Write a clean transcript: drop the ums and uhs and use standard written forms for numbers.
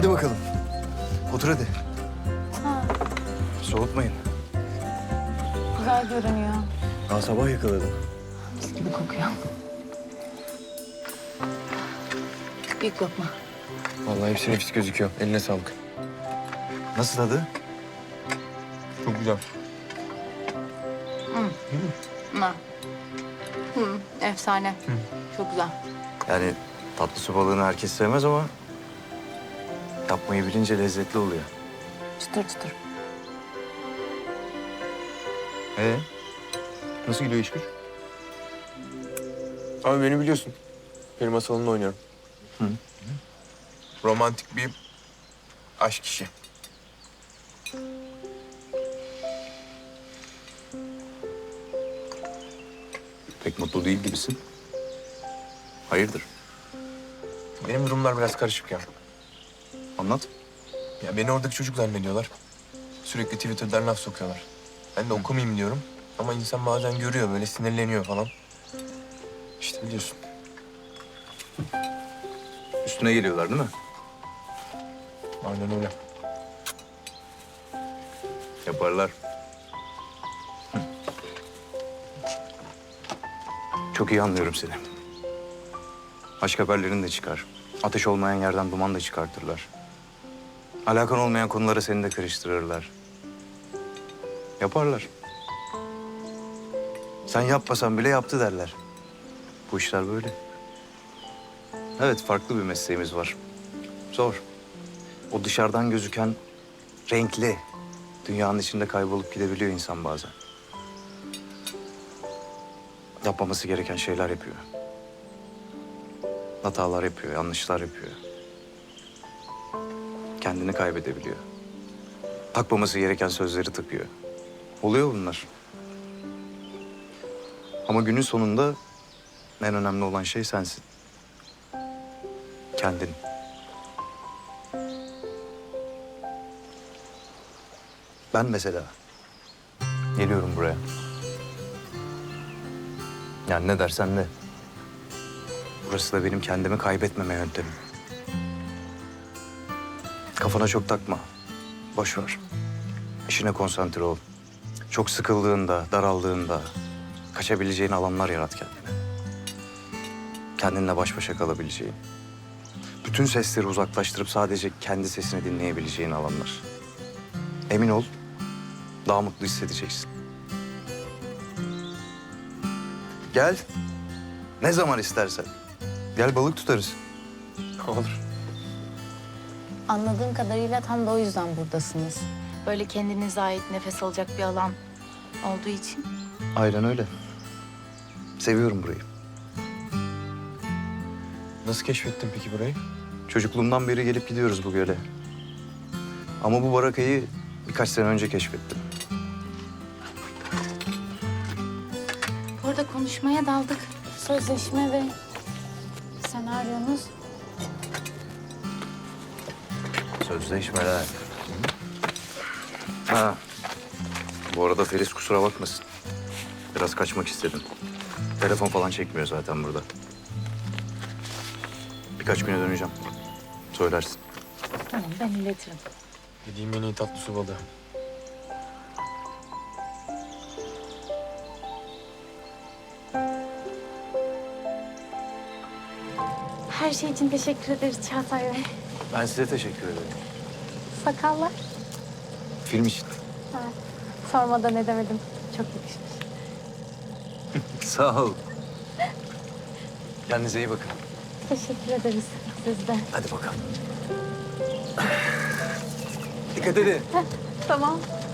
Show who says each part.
Speaker 1: Hadi bakalım. Otur hadi.
Speaker 2: Ha,
Speaker 1: Soğutmayın.
Speaker 2: güzel görünüyor.
Speaker 1: Daha sabah yakaladım.
Speaker 2: Mis gibi kokuyor. Büyük lokma.
Speaker 3: Vallahi hepsi nefis gözüküyor. Eline sağlık.
Speaker 1: Nasıl tadı?
Speaker 3: Çok güzel.
Speaker 2: Ha. Efsane. Çok güzel.
Speaker 1: Yani tatlı su balığını herkes sevmez ama... ...yapmayı bilince lezzetli oluyor.
Speaker 2: Çıtır çıtır.
Speaker 3: Nasıl gidiyor iş güç? Abi beni biliyorsun. Benim masalında oynuyorum. Romantik bir aşk işi.
Speaker 1: Pek mutlu değil gibisin. Hayırdır?
Speaker 3: Benim durumlar biraz karışık ya.
Speaker 1: Anlat.
Speaker 3: Ya beni oradaki çocuk zannediyorlar. Sürekli Twitter'dan laf sokuyorlar. Ben de okumayayım diyorum. Ama insan bazen görüyor, böyle sinirleniyor falan. İşte biliyorsun.
Speaker 1: Üstüne geliyorlar değil mi?
Speaker 3: Aynen öyle.
Speaker 1: Yaparlar. Çok iyi anlıyorum seni. Aşk haberlerin de çıkar. Ateş olmayan yerden duman da çıkartırlar. Alakan olmayan konulara seni de karıştırırlar. Yaparlar. Sen yapmasan bile yaptı derler. Bu işler böyle. Evet, farklı bir mesleğimiz var. Zor. O dışarıdan gözüken renkli, dünyanın içinde kaybolup gidebiliyor insan bazen. Yapmaması gereken şeyler yapıyor. Hatalar yapıyor, yanlışlar yapıyor. Kendini kaybedebiliyor. Takmaması gereken sözleri takıyor. Oluyor bunlar. Ama günün sonunda en önemli olan şey sensin. Kendin. Ben mesela geliyorum buraya. Yani ne dersen de. Burası da benim kendimi kaybetmeme yöntemim. Kafana çok takma. Boş ver. İşine konsantre ol. Çok sıkıldığında, daraldığında kaçabileceğin alanlar yarat kendine. Kendinle baş başa kalabileceğin. Bütün sesleri uzaklaştırıp sadece kendi sesini dinleyebileceğin alanlar. Emin ol, daha mutlu hissedeceksin. Gel. Ne zaman istersen. Gel balık tutarız.
Speaker 3: Olur.
Speaker 2: Anladığım kadarıyla tam da o yüzden buradasınız. Böyle kendinize ait nefes alacak bir alan olduğu için.
Speaker 1: Aynen öyle. Seviyorum burayı.
Speaker 3: Nasıl keşfettin peki burayı?
Speaker 1: Çocukluğumdan beri gelip gidiyoruz bu göle. Ama bu barakayı birkaç sene önce keşfettim.
Speaker 2: Bu arada konuşmaya daldık. Sözleşme ve senaryonuz.
Speaker 1: Sözleşmeler. Ha. Bu arada Feris kusura bakmasın. Biraz kaçmak istedim. Telefon falan çekmiyor zaten burada. Birkaç güne döneceğim. Söylersin.
Speaker 2: Tamam, ben iletirim.
Speaker 3: Yediğim en iyi tatlı su balığı.
Speaker 2: Her şey için teşekkür ederiz Çağatay Bey.
Speaker 1: Ben size teşekkür ederim.
Speaker 2: Sakallar.
Speaker 1: Film için.
Speaker 2: Ha, sormadan edemedim. Çok yakışmış.
Speaker 1: Sağ ol. Kendinize iyi bakın.
Speaker 2: Teşekkür ederiz siz de.
Speaker 1: Hadi bakalım. Dikkat edin.
Speaker 2: Tamam.